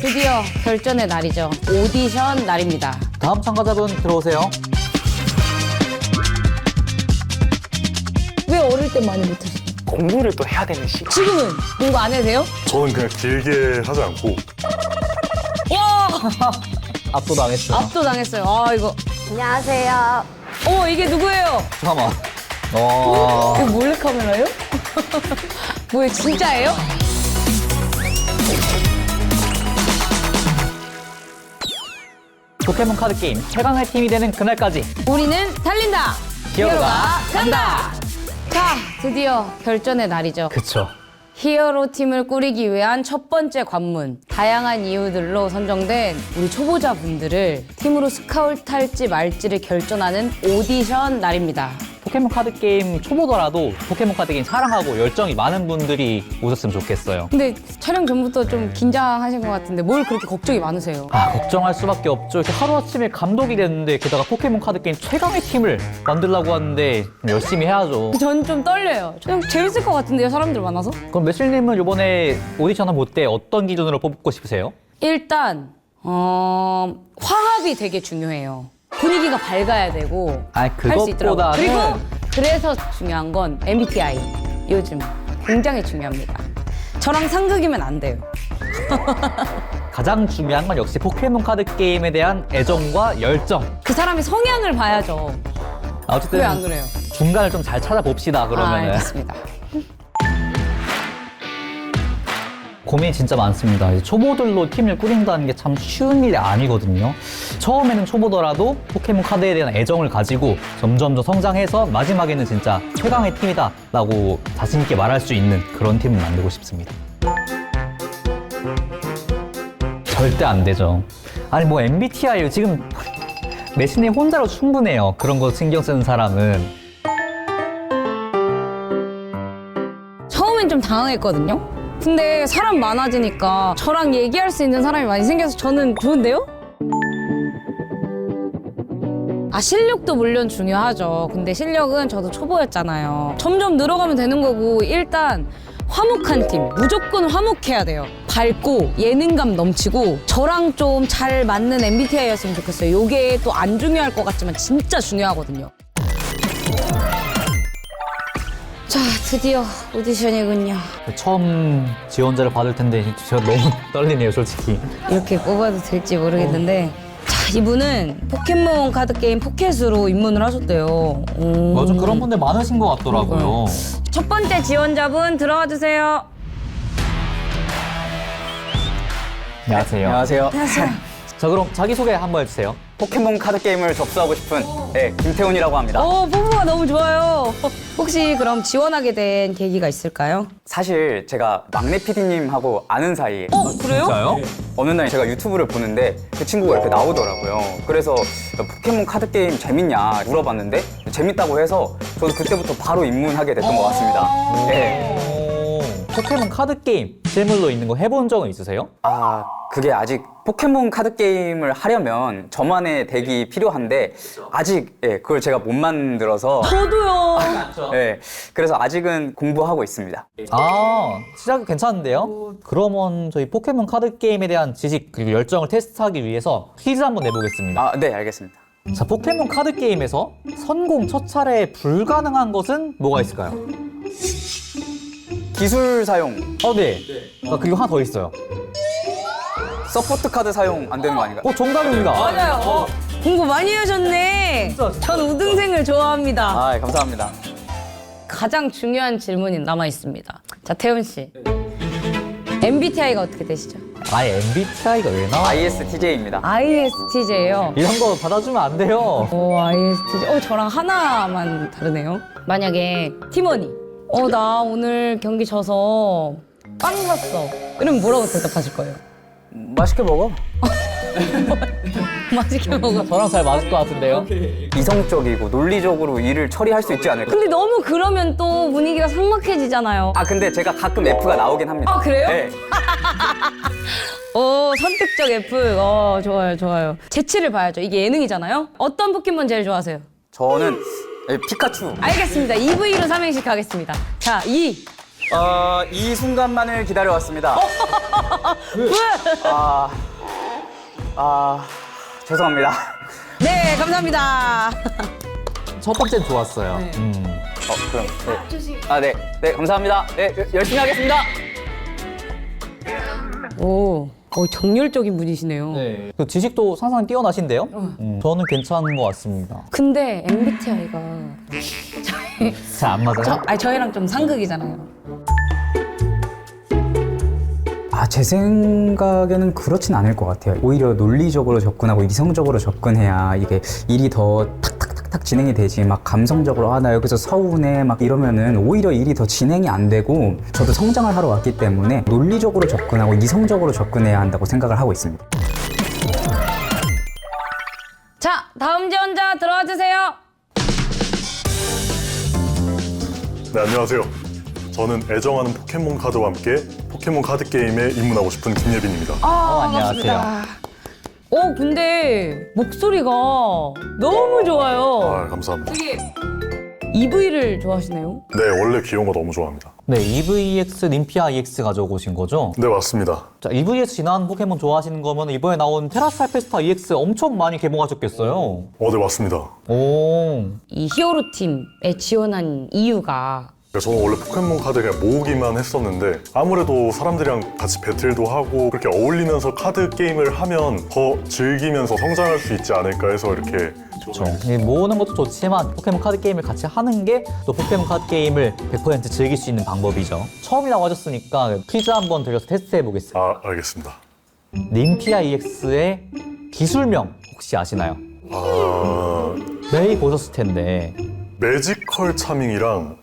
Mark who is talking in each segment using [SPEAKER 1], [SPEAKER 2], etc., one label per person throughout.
[SPEAKER 1] 드디어 결전의 날이죠. 오디션 날입니다.
[SPEAKER 2] 다음 참가자분 들어오세요.
[SPEAKER 1] 왜 어릴 때 많이 못하시나요?
[SPEAKER 3] 공부를 또 해야 되는 시간.
[SPEAKER 1] 지금은 공부 안 해도 돼요?
[SPEAKER 4] 저는 그냥 길게 하지 않고
[SPEAKER 1] 와!
[SPEAKER 2] 압도당했어요.
[SPEAKER 1] 압도당했어요. 아, 이거. 안녕하세요. 이게 누구예요?
[SPEAKER 2] 잠깐만.
[SPEAKER 1] 이거 몰래카메라예요? 뭐예요, 진짜예요?
[SPEAKER 2] 포켓몬 카드 게임 최강의 팀이 되는 그날까지
[SPEAKER 1] 우리는 달린다!
[SPEAKER 2] 히어로가
[SPEAKER 1] 간다! 자, 드디어 결전의 날이죠.
[SPEAKER 2] 그쵸.
[SPEAKER 1] 히어로 팀을 꾸리기 위한 첫 번째 관문. 다양한 이유들로 선정된 우리 초보자분들을 팀으로 스카우트할지 말지를 결정하는 오디션 날입니다.
[SPEAKER 2] 포켓몬 카드 게임 초보더라도 포켓몬 카드 게임 사랑하고 열정이 많은 분들이 오셨으면 좋겠어요.
[SPEAKER 1] 근데 촬영 전부터 좀 긴장하신 것 같은데 뭘 그렇게 걱정이 많으세요?
[SPEAKER 2] 걱정할 수밖에 없죠. 이렇게 하루아침에 감독이 됐는데 게다가 포켓몬 카드 게임 최강의 팀을 만들려고 하는데 좀 열심히 해야죠.
[SPEAKER 1] 전 좀 떨려요. 좀 재밌을 것 같은데요, 사람들 많아서?
[SPEAKER 2] 그럼 매실님은 이번에 오디션을 볼 때 어떤 기준으로 뽑고 싶으세요?
[SPEAKER 1] 일단 화합이 되게 중요해요. 분위기가 밝아야 되고 할 수 있더라고요.
[SPEAKER 2] 그것보다는
[SPEAKER 1] 그리고 그래서 중요한 건 MBTI. 요즘 굉장히 중요합니다. 저랑 상극이면 안 돼요.
[SPEAKER 2] 가장 중요한 건 역시 포켓몬 카드 게임에 대한 애정과 열정.
[SPEAKER 1] 그 사람의 성향을 봐야죠.
[SPEAKER 2] 어쨌든
[SPEAKER 1] 왜 안 그래요?
[SPEAKER 2] 중간을 좀 잘 찾아봅시다. 그러면은
[SPEAKER 1] 알겠습니다.
[SPEAKER 2] 고민이 진짜 많습니다. 이제 초보들로 팀을 꾸린다는 게 참 쉬운 일이 아니거든요. 처음에는 초보더라도 포켓몬 카드에 대한 애정을 가지고 점점 더 성장해서 마지막에는 진짜 최강의 팀이다 라고 자신 있게 말할 수 있는 그런 팀을 만들고 싶습니다. 절대 안 되죠. 아니 뭐 MBTI 지금 매신이 혼자로 충분해요. 그런 거 신경 쓰는 사람은.
[SPEAKER 1] 처음엔 좀 당황했거든요. 근데 사람 많아지니까 저랑 얘기할 수 있는 사람이 많이 생겨서 저는 좋은데요? 실력도 물론 중요하죠. 근데 실력은 저도 초보였잖아요. 점점 늘어가면 되는 거고 일단 화목한 팀, 무조건 화목해야 돼요. 밝고 예능감 넘치고 저랑 좀 잘 맞는 MBTI였으면 좋겠어요. 이게 또 안 중요할 것 같지만 진짜 중요하거든요. 자, 드디어 오디션이군요.
[SPEAKER 2] 처음 지원자를 받을 텐데 제가 너무 떨리네요, 솔직히.
[SPEAKER 1] 이렇게 뽑아도 될지 모르겠는데 자, 이분은 포켓몬 카드 게임 포켓으로 입문을 하셨대요.
[SPEAKER 2] 맞아, 그런 분들 많으신 것 같더라고요.
[SPEAKER 1] 첫 번째 지원자분 들어와 주세요.
[SPEAKER 2] 안녕하세요.
[SPEAKER 3] 안녕하세요.
[SPEAKER 2] 자, 그럼 자기소개 한번 해주세요.
[SPEAKER 3] 포켓몬 카드 게임을 접수하고 싶은 김태훈이라고 합니다.
[SPEAKER 1] 포부가 너무 좋아요. 혹시 그럼 지원하게 된 계기가 있을까요?
[SPEAKER 3] 사실 제가 막내 PD님하고 아는 사이에
[SPEAKER 1] 그래요?
[SPEAKER 2] 진짜요?
[SPEAKER 3] 어느 날 제가 유튜브를 보는데 그 친구가 이렇게 나오더라고요. 그래서 포켓몬 카드 게임 재밌냐 물어봤는데 재밌다고 해서 저도 그때부터 바로 입문하게 됐던 것 같습니다. 네.
[SPEAKER 2] 포켓몬 카드 게임 실물로 있는 거 해본 적은 있으세요?
[SPEAKER 3] 그게 아직 포켓몬 카드 게임을 하려면 저만의 덱이 필요한데 아직 그걸 제가 못 만들어서
[SPEAKER 1] 저도요.
[SPEAKER 3] 그래서 아직은 공부하고 있습니다.
[SPEAKER 2] 시작이 괜찮은데요? 그러면 저희 포켓몬 카드 게임에 대한 지식 그리고 열정을 테스트하기 위해서 퀴즈 한번 내보겠습니다.
[SPEAKER 3] 네, 알겠습니다.
[SPEAKER 2] 자, 포켓몬 카드 게임에서 선공 첫 차례에 불가능한 것은 뭐가 있을까요?
[SPEAKER 3] 기술 사용,
[SPEAKER 2] 네. 그리고 하나 더 있어요.
[SPEAKER 3] 서포트 카드 사용 안 되는 거 아닌가요?
[SPEAKER 2] 정답입니다.
[SPEAKER 1] 맞아요. 공부 많이 하셨네. 전 우등생을 좋아합니다.
[SPEAKER 3] 감사합니다.
[SPEAKER 1] 가장 중요한 질문이 남아 있습니다. 자, 태훈 씨. MBTI가 어떻게 되시죠?
[SPEAKER 2] MBTI가 왜 나와요?
[SPEAKER 3] ISTJ입니다.
[SPEAKER 1] ISTJ예요.
[SPEAKER 2] 이런 거 받아주면 안 돼요.
[SPEAKER 1] ISTJ. 저랑 하나만 다르네요. 만약에 팀원이 나 오늘 경기 져서 빵 샀어. 이러면 뭐라고 대답하실 거예요?
[SPEAKER 3] 맛있게 먹어.
[SPEAKER 1] 맛있게 먹어.
[SPEAKER 2] 저랑 잘 맞을 것 같은데요?
[SPEAKER 3] 이성적이고 논리적으로 일을 처리할 수 있지 않을까?
[SPEAKER 1] 근데 너무 그러면 또 분위기가 삭막해지잖아요.
[SPEAKER 3] 근데 제가 가끔 F가 나오긴 합니다.
[SPEAKER 1] 그래요?
[SPEAKER 3] 네.
[SPEAKER 1] 선택적 F. 좋아요, 좋아요. 재치를 봐야죠. 이게 예능이잖아요. 어떤 포켓몬 제일 좋아하세요?
[SPEAKER 3] 저는 피카츄.
[SPEAKER 1] 알겠습니다. EV로 삼행시 가겠습니다. 자,
[SPEAKER 3] 이 순간만을 기다려왔습니다. 죄송합니다.
[SPEAKER 1] 네, 감사합니다.
[SPEAKER 2] 첫 번째는 좋았어요.
[SPEAKER 3] 그럼. 네. 네, 감사합니다. 네, 열심히 하겠습니다.
[SPEAKER 1] 오, 정열적인 분이시네요.
[SPEAKER 2] 네. 그 지식도 상상히 뛰어나신데요? 저는 괜찮은 것 같습니다.
[SPEAKER 1] 근데 MBTI가
[SPEAKER 2] 잘 안 맞아요?
[SPEAKER 1] 저희랑 좀 상극이잖아요.
[SPEAKER 3] 제 생각에는 그렇진 않을 것 같아요. 오히려 논리적으로 접근하고 이성적으로 접근해야 이게 일이 더 탁탁탁탁 진행이 되지, 막 감성적으로 나 여기서 서운해 막 이러면은 오히려 일이 더 진행이 안 되고, 저도 성장을 하러 왔기 때문에 논리적으로 접근하고 이성적으로 접근해야 한다고 생각을 하고 있습니다.
[SPEAKER 1] 자, 다음 지원자 들어와 주세요.
[SPEAKER 4] 네, 안녕하세요. 저는 애정하는 포켓몬 카드와 함께 포켓몬 카드 게임에 입문하고 싶은 김예빈입니다.
[SPEAKER 2] 안녕하세요.
[SPEAKER 1] 근데 목소리가 너무 좋아요.
[SPEAKER 4] 감사합니다.
[SPEAKER 1] 되게 EV를 좋아하시네요.
[SPEAKER 4] 네, 원래 귀여운 거 너무 좋아합니다.
[SPEAKER 2] 네, EVX, 림피아 EX 가져오신 거죠?
[SPEAKER 4] 네, 맞습니다.
[SPEAKER 2] 자, EVX 지난 포켓몬 좋아하시는 거면 이번에 나온 테라스알페스타 EX 엄청 많이 개봉하셨겠어요?
[SPEAKER 4] 네, 맞습니다.
[SPEAKER 2] 오.
[SPEAKER 1] 이 히어로 팀에 지원한 이유가
[SPEAKER 4] 저는 원래 포켓몬 카드 그냥 모으기만 했었는데, 아무래도 사람들이랑 같이 배틀도 하고 그렇게 어울리면서 카드 게임을 하면 더 즐기면서 성장할 수 있지 않을까 해서 이렇게.
[SPEAKER 2] 그렇죠. 모으는 것도 좋지만 포켓몬 카드 게임을 같이 하는 게 또 포켓몬 카드 게임을 100% 즐길 수 있는 방법이죠. 처음이라고 하셨으니까 퀴즈 한번 드려서 테스트 해보겠습니다.
[SPEAKER 4] 알겠습니다.
[SPEAKER 2] 림피아 EX의 기술명 혹시 아시나요? 매일 보셨을 텐데.
[SPEAKER 4] 매지컬 차밍이랑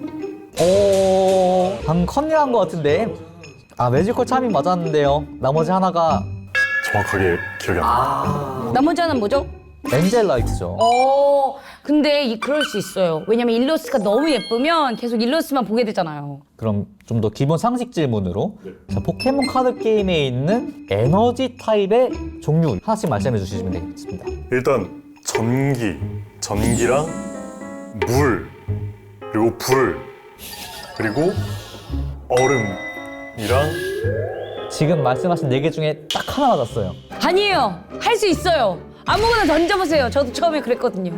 [SPEAKER 2] 방금 컨닝한 것 같은데. 매지컬 차밍 맞았는데요. 나머지 하나가
[SPEAKER 4] 정확하게 기억이 안 나요.
[SPEAKER 1] 나머지 하나는 뭐죠?
[SPEAKER 2] 엔젤라이트죠.
[SPEAKER 1] 근데 그럴 수 있어요. 왜냐면 일러스트가 너무 예쁘면 계속 일러스트만 보게 되잖아요.
[SPEAKER 2] 그럼 좀 더 기본 상식 질문으로 자, 포켓몬 카드 게임에 있는 에너지 타입의 종류 하나씩 말씀해 주시면 되겠습니다.
[SPEAKER 4] 일단 전기랑 물, 그리고 불, 그리고 얼음이랑.
[SPEAKER 2] 지금 말씀하신 4개 중에 딱 하나 맞았어요.
[SPEAKER 1] 아니에요. 할 수 있어요. 아무거나 던져보세요. 저도 처음에 그랬거든요.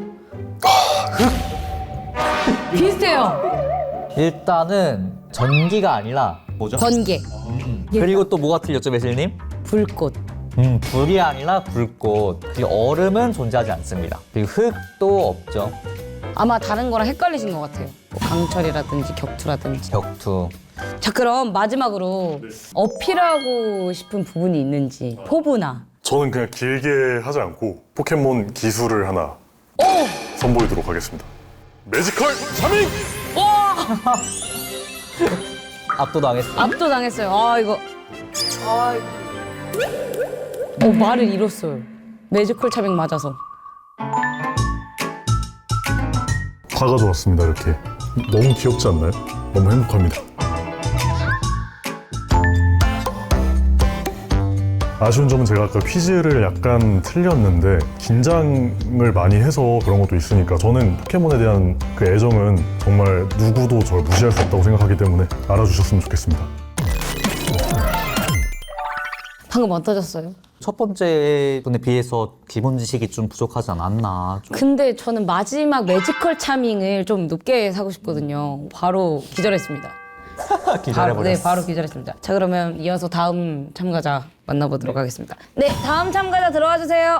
[SPEAKER 1] 비슷해요.
[SPEAKER 2] 일단은 전기가 아니라 뭐죠?
[SPEAKER 1] 번개,
[SPEAKER 2] 그리고 또 뭐가 틀렸죠, 매실님?
[SPEAKER 1] 불꽃.
[SPEAKER 2] 불이 아니라 불꽃. 그리고 얼음은 존재하지 않습니다. 그리고 흙도 없죠.
[SPEAKER 1] 아마 다른 거랑 헷갈리신 것 같아요. 뭐 강철이라든지 격투라든지.
[SPEAKER 2] 격투.
[SPEAKER 1] 자, 그럼 마지막으로 어필하고 싶은 부분이 있는지 포부나.
[SPEAKER 4] 저는 그냥 길게 하지 않고 포켓몬 기술을 하나 선보이도록 하겠습니다. 매지컬 차밍!
[SPEAKER 2] 압도당했어요.
[SPEAKER 1] 압도당했어요. 이거. 말을 잃었어요. 매지컬 차밍 맞아서.
[SPEAKER 4] 다 가져왔습니다. 이렇게 너무 귀엽지 않나요? 너무 행복합니다. 아쉬운 점은 제가 아까 퀴즈를 약간 틀렸는데 긴장을 많이 해서 그런 것도 있으니까, 저는 포켓몬에 대한 그 애정은 정말 누구도 저를 무시할 수 없다고 생각하기 때문에 알아주셨으면 좋겠습니다.
[SPEAKER 1] 방금 어떠셨어요?
[SPEAKER 2] 첫 번째 분에 비해서 기본 지식이 좀 부족하지 않았나.
[SPEAKER 1] 근데 저는 마지막 매지컬 차밍을 좀 높게 사고 싶거든요. 바로 기절했습니다.
[SPEAKER 2] 기다려버렸어.
[SPEAKER 1] 바로 기절했습니다. 자, 그러면 이어서 다음 참가자 만나보도록 하겠습니다. 네, 다음 참가자 들어와 주세요.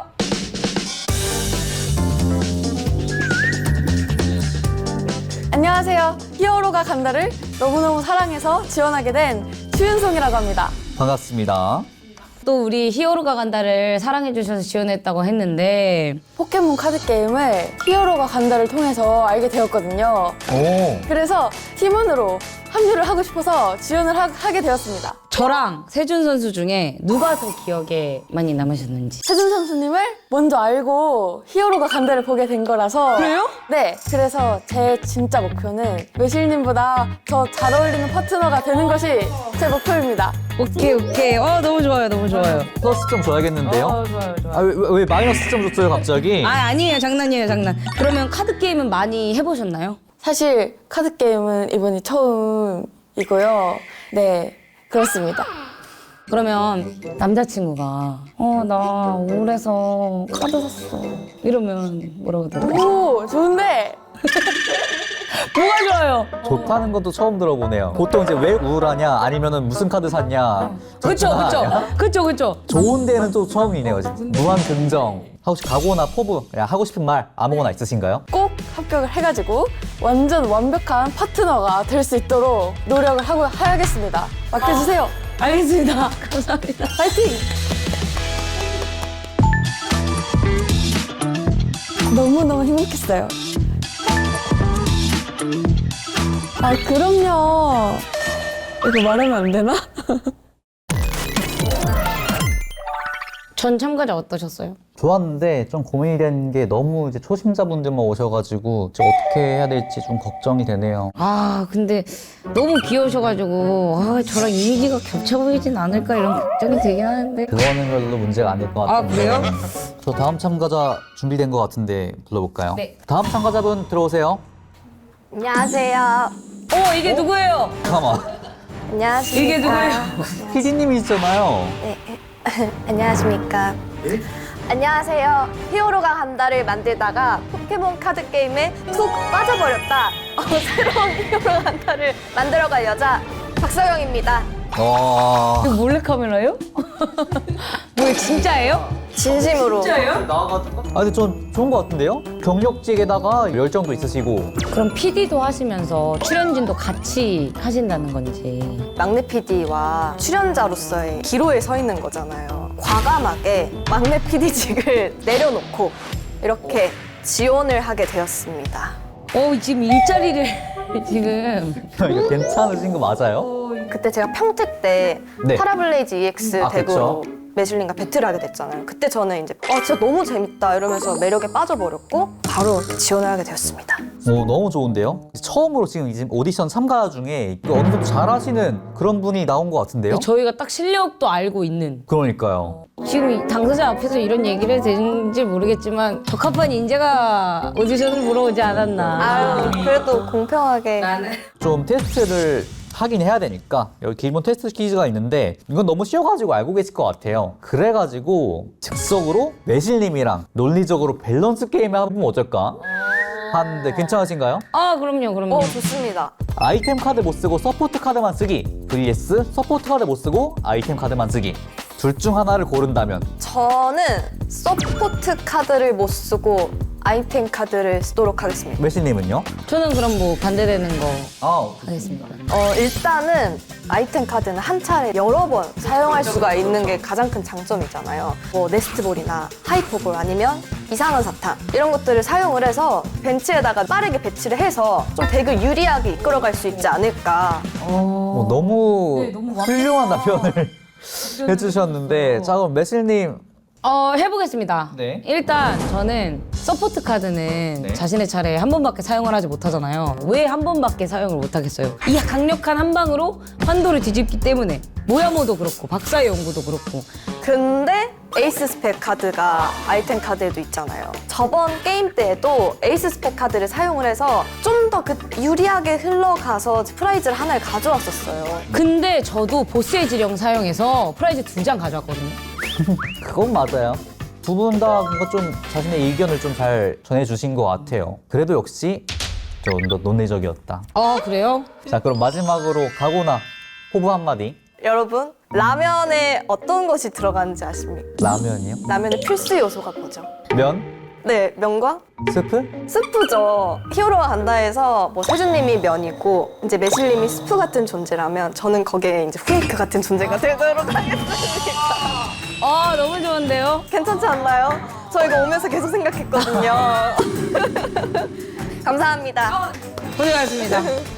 [SPEAKER 5] 안녕하세요. 히어로가 간다를 너무너무 사랑해서 지원하게 된 추윤송이라고 합니다.
[SPEAKER 2] 반갑습니다.
[SPEAKER 1] 또 우리 히어로가 간다를 사랑해 주셔서 지원했다고 했는데
[SPEAKER 5] 포켓몬 카드 게임을 히어로가 간다를 통해서 알게 되었거든요.
[SPEAKER 2] 오.
[SPEAKER 5] 그래서 팀원으로 합류를 하고 싶어서 지원을 하게 되었습니다.
[SPEAKER 1] 저랑 세준 선수 중에 누가 더 기억에 많이 남으셨는지.
[SPEAKER 5] 세준 선수님을 먼저 알고 히어로가 간다를 보게 된 거라서.
[SPEAKER 1] 그래요?
[SPEAKER 5] 네. 그래서 제 진짜 목표는 매실님보다 더 잘 어울리는 파트너가 되는 것이 제 목표입니다.
[SPEAKER 1] 오케이. 너무 좋아요.
[SPEAKER 2] 플러스 점 줘야겠는데요?
[SPEAKER 1] 좋아요.
[SPEAKER 2] 왜 마이너스 점 줬어요, 갑자기?
[SPEAKER 1] 아니에요. 장난이에요. 그러면 카드 게임은 많이 해보셨나요?
[SPEAKER 5] 사실 카드 게임은 이번이 처음이에요. 이고요. 네, 그렇습니다.
[SPEAKER 1] 그러면 남자친구가 나 우울해서 카드 샀어 이러면 뭐라고 들어?
[SPEAKER 5] 오, 좋은데?
[SPEAKER 1] 뭐가 좋아요?
[SPEAKER 2] 좋다는 것도 처음 들어보네요. 보통 이제 왜 우울하냐 아니면은 무슨 카드 샀냐.
[SPEAKER 1] 그쵸
[SPEAKER 2] 둘 중 하나냐?
[SPEAKER 1] 그쵸.
[SPEAKER 2] 좋은 데는 또 처음이네요. 진짜. 무한 긍정. 혹시 각오나 포부, 그냥 하고 싶은 말 아무거나 있으신가요?
[SPEAKER 5] 꼭 합격을 해가지고 완전 완벽한 파트너가 될 수 있도록 노력을 하고 해야겠습니다. 맡겨주세요.
[SPEAKER 1] 알겠습니다. 감사합니다.
[SPEAKER 5] 파이팅! 너무너무 행복했어요. 아, 그럼요. 이거 말하면 안 되나?
[SPEAKER 1] 전 참가자 어떠셨어요?
[SPEAKER 2] 좋았는데 좀 고민이 된 게 너무 이제 초심자분들만 오셔가지고 이제 어떻게 해야 될지 좀 걱정이 되네요.
[SPEAKER 1] 아 근데 너무 귀여우셔가지고 저랑 이미지가 겹쳐 보이진 않을까 이런 걱정이 되긴 하는데.
[SPEAKER 2] 그거는 별로 문제가 안 될 것
[SPEAKER 1] 아
[SPEAKER 2] 같은데.
[SPEAKER 1] 그래요?
[SPEAKER 2] 저 다음 참가자 준비된 것 같은데 불러볼까요?
[SPEAKER 1] 네.
[SPEAKER 2] 다음 참가자분 들어오세요.
[SPEAKER 5] 안녕하세요.
[SPEAKER 1] 이게 누구예요?
[SPEAKER 2] 잠깐만.
[SPEAKER 5] 안녕하십니까.
[SPEAKER 1] 이게 누구예요?
[SPEAKER 2] PD님이시잖아요.
[SPEAKER 5] 네. 안녕하십니까. 안녕하세요. 히어로가 간다를 만들다가 포켓몬 카드 게임에 푹 빠져버렸다. 새로운 히어로가 간다를 만들어갈 여자 박서영입니다.
[SPEAKER 2] 와.
[SPEAKER 1] 이거 몰래카메라예요? 뭐야 진짜예요?
[SPEAKER 5] 진심으로.
[SPEAKER 2] 아 근데 전 좋은 것 같은데요? 경력직에다가 열정도 있으시고.
[SPEAKER 1] 그럼 PD도 하시면서 출연진도 같이 하신다는 건지.
[SPEAKER 5] 막내 PD와 출연자로서의 기로에 서 있는 거잖아요. 과감하게 막내 PD직을 내려놓고 이렇게 지원을 하게 되었습니다.
[SPEAKER 1] 지금 일자리를 지금.
[SPEAKER 2] 이거 괜찮으신 거 맞아요?
[SPEAKER 5] 그때 제가 평택 때
[SPEAKER 2] 네.
[SPEAKER 5] 파라블레이즈 EX
[SPEAKER 2] 아,
[SPEAKER 5] 대구로
[SPEAKER 2] 그쵸.
[SPEAKER 5] 매실님과 배틀을 하게 됐잖아요. 그때 저는 이제 진짜 너무 재밌다 이러면서 매력에 빠져버렸고 바로 지원을 하게 되었습니다.
[SPEAKER 2] 오, 너무 좋은데요? 처음으로 지금 이제 오디션 참가 중에 어느 정도 잘하시는 그런 분이 나온 것 같은데요?
[SPEAKER 1] 저희가 딱 실력도 알고 있는.
[SPEAKER 2] 그러니까요.
[SPEAKER 1] 지금 이 당사자 앞에서 이런 얘기를 해도 되는지 모르겠지만 적합한 인재가 오디션을 보러 오지 않았나.
[SPEAKER 5] 그래도 공평하게.
[SPEAKER 2] 좀 테스트를 하긴 해야 되니까 여기 기본 테스트 퀴즈가 있는데 이건 너무 쉬워가지고 알고 계실 것 같아요. 그래가지고 즉석으로 매실님이랑 논리적으로 밸런스 게임을 해보면 어떨까 하는데 괜찮으신가요?
[SPEAKER 1] 그럼요.
[SPEAKER 5] 좋습니다.
[SPEAKER 2] 아이템 카드 못 쓰고 서포트 카드만 쓰기 vs 서포트 카드 못 쓰고 아이템 카드만 쓰기. 둘 중 하나를 고른다면
[SPEAKER 5] 저는 서포트 카드를 못 쓰고 아이템 카드를 쓰도록 하겠습니다.
[SPEAKER 2] 매실님은요?
[SPEAKER 1] 저는 그럼 뭐 반대되는 거
[SPEAKER 2] 아,
[SPEAKER 1] 하겠습니다.
[SPEAKER 5] 일단은 아이템 카드는 한 차례 여러 번 사용할 수가 있는 게 가장 큰 장점이잖아요. 뭐 네스트볼이나 하이퍼볼 아니면 이상한 사탕 이런 것들을 사용을 해서 벤치에다가 빠르게 배치를 해서 좀 덱을 유리하게 이끌어갈 수 있지 않을까.
[SPEAKER 2] 너무 훌륭한 답변을 해주셨는데 자 그럼 매실님
[SPEAKER 1] 해보겠습니다.
[SPEAKER 2] 네.
[SPEAKER 1] 일단 저는 서포트 카드는
[SPEAKER 2] 네.
[SPEAKER 1] 자신의 차례에 한 번밖에 사용을 하지 못하잖아요. 왜 한 번밖에 사용을 못하겠어요? 이 강력한 한 방으로 환도를 뒤집기 때문에 모야모도 그렇고 박사의 연구도 그렇고.
[SPEAKER 5] 근데 에이스 스펙 카드가 아이템 카드에도 있잖아요. 저번 게임 때에도 에이스 스펙 카드를 사용을 해서 좀 더 유리하게 흘러가서 프라이즈를 하나를 가져왔었어요.
[SPEAKER 1] 근데 저도 보스의 지령 사용해서 프라이즈 2장 가져왔거든요.
[SPEAKER 2] 그건 맞아요. 두 분 다 뭔가 좀 자신의 의견을 좀 잘 전해주신 것 같아요. 그래도 역시 좀 더 논리적이었다.
[SPEAKER 1] 그래요?
[SPEAKER 2] 자 그럼 마지막으로 각오나 포부 한마디.
[SPEAKER 5] 여러분, 라면에 어떤 것이 들어가는지 아십니까?
[SPEAKER 2] 라면이요?
[SPEAKER 5] 라면의 필수 요소가 뭐죠?
[SPEAKER 2] 면?
[SPEAKER 5] 네, 면과
[SPEAKER 2] 스프?
[SPEAKER 5] 스프죠. 히어로가 간다해서 뭐 세준님이 면이고 이제 매실님이 스프 같은 존재라면 저는 거기에 이제 후레이크 같은 존재가 되도록 하겠습니다.
[SPEAKER 1] 너무 좋은데요?
[SPEAKER 5] 괜찮지 않나요? 저 이거 오면서 계속 생각했거든요. 감사합니다.
[SPEAKER 1] 고생하셨습니다.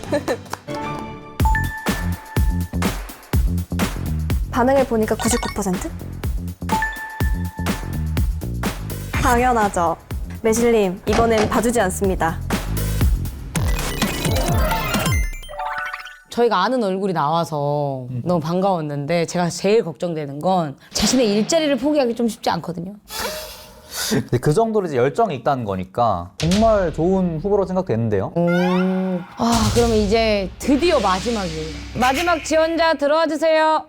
[SPEAKER 5] 반응을 보니까 99%? 당연하죠. 매실님, 이번엔 봐주지 않습니다.
[SPEAKER 1] 저희가 아는 얼굴이 나와서 너무 반가웠는데 제가 제일 걱정되는 건 자신의 일자리를 포기하기 좀 쉽지 않거든요.
[SPEAKER 2] 근데 그 정도로 이제 열정이 있다는 거니까 정말 좋은 후보로 생각되는데요.
[SPEAKER 1] 아, 그러면 이제 드디어 마지막이에요. 마지막 지원자 들어와 주세요.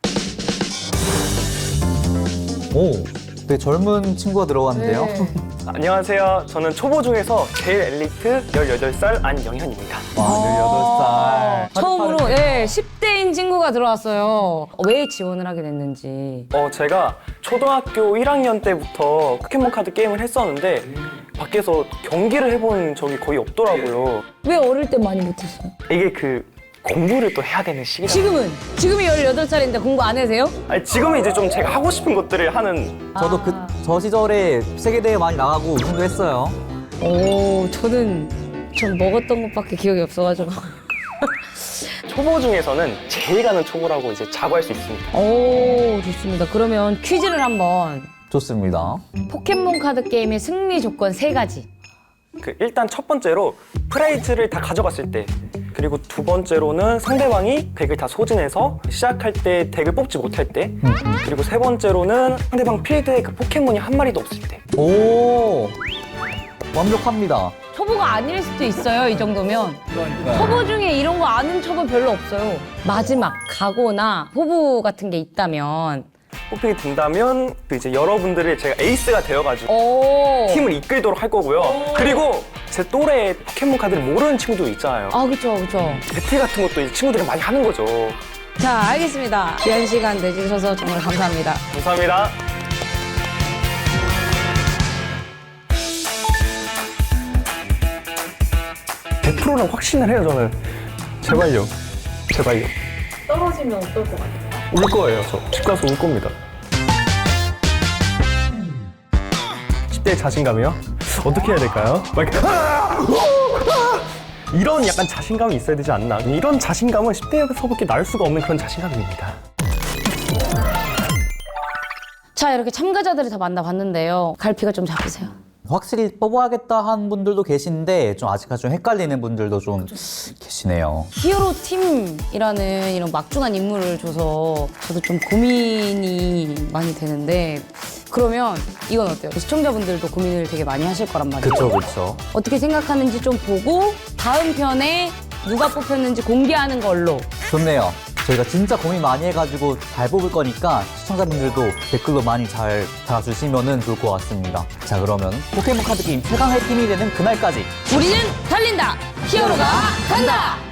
[SPEAKER 2] 오, 되게 젊은 친구가 들어갔는데요.
[SPEAKER 1] 네.
[SPEAKER 6] 안녕하세요. 저는 초보 중에서 제일 엘리트 18살 안영현입니다.
[SPEAKER 2] 와, 18살.
[SPEAKER 1] 처음으로 10대인 친구가 들어왔어요. 왜 지원을 하게 됐는지.
[SPEAKER 6] 제가 초등학교 1학년 때부터 포켓몬 카드 게임을 했었는데 밖에서 경기를 해본 적이 거의 없더라고요.
[SPEAKER 1] 왜 어릴 때 많이 못했어요?
[SPEAKER 6] 이게 공부를 또 해야 되는 시기라.
[SPEAKER 1] 지금이 18살인데 공부 안 해세요?
[SPEAKER 6] 아니, 지금은 이제 좀 제가 하고 싶은 것들을 하는.
[SPEAKER 2] 저도 저 시절에 세계대회 많이 나가고 우승도 했어요.
[SPEAKER 1] 전 먹었던 것밖에 기억이 없어가지고.
[SPEAKER 6] 초보 중에서는 제일 가는 초보라고 이제 자부할 수 있습니다.
[SPEAKER 1] 오, 좋습니다. 그러면 퀴즈를 한번.
[SPEAKER 2] 좋습니다.
[SPEAKER 1] 포켓몬 카드 게임의 승리 조건 3가지.
[SPEAKER 6] 일단 첫 번째로 프라이즈를 다 가져갔을 때, 그리고 두 번째로는 상대방이 덱을 다 소진해서 시작할 때 덱을 뽑지 못할 때, 그리고 세 번째로는 상대방 필드에 포켓몬이 한 마리도 없을 때.
[SPEAKER 2] 오, 완벽합니다.
[SPEAKER 1] 초보가 아닐 수도 있어요, 이 정도면. 초보 중에 이런 거 아는 초보 별로 없어요. 마지막 각오나 포부 같은 게 있다면.
[SPEAKER 6] 뽑히게 된다면 이제 여러분들을 제가 에이스가 되어가지고
[SPEAKER 1] 오.
[SPEAKER 6] 팀을 이끌도록 할 거고요. 그리고 제 또래 포켓몬 카드를 모르는 친구도 있잖아요.
[SPEAKER 1] 아, 그쵸.
[SPEAKER 6] 배틀 같은 것도 이 친구들이 많이 하는 거죠.
[SPEAKER 1] 자, 알겠습니다. 귀한 시간 내주셔서 정말 감사합니다.
[SPEAKER 6] 감사합니다. (100%는) 확신을 해요, 저는. 제발요.
[SPEAKER 1] 떨어지면 어떨 것 같아요?
[SPEAKER 6] 울 거예요, 저. 집 가서 울 겁니다. 10대의 자신감이요? 어떻게 해야 될까요? 막 이렇게 이런 약간 자신감이 있어야 되지 않나. 이런 자신감은 10대에서밖에 나올 수가 없는 그런 자신감입니다.
[SPEAKER 1] 자, 이렇게 참가자들을 다 만나봤는데요. 갈피가 좀 잡히세요.
[SPEAKER 2] 확실히 뽑아야겠다 하는 분들도 계신데 좀 아직까지 좀 헷갈리는 분들도 좀 계시네요.
[SPEAKER 1] 히어로 팀이라는 이런 막중한 임무를 줘서 저도 좀 고민이 많이 되는데, 그러면 이건 어때요? 시청자분들도 고민을 되게 많이 하실 거란 말이에요.
[SPEAKER 2] 그쵸.
[SPEAKER 1] 어떻게 생각하는지 좀 보고 다음 편에 누가 뽑혔는지 공개하는 걸로.
[SPEAKER 2] 좋네요. 저희가 진짜 고민 많이 해가지고 잘 뽑을 거니까 시청자분들도 댓글로 많이 잘 달아주시면 좋을 것 같습니다. 자, 그러면 포켓몬 카드 게임 최강의 팀이 되는 그날까지
[SPEAKER 1] 우리는 달린다! 히어로가 간다!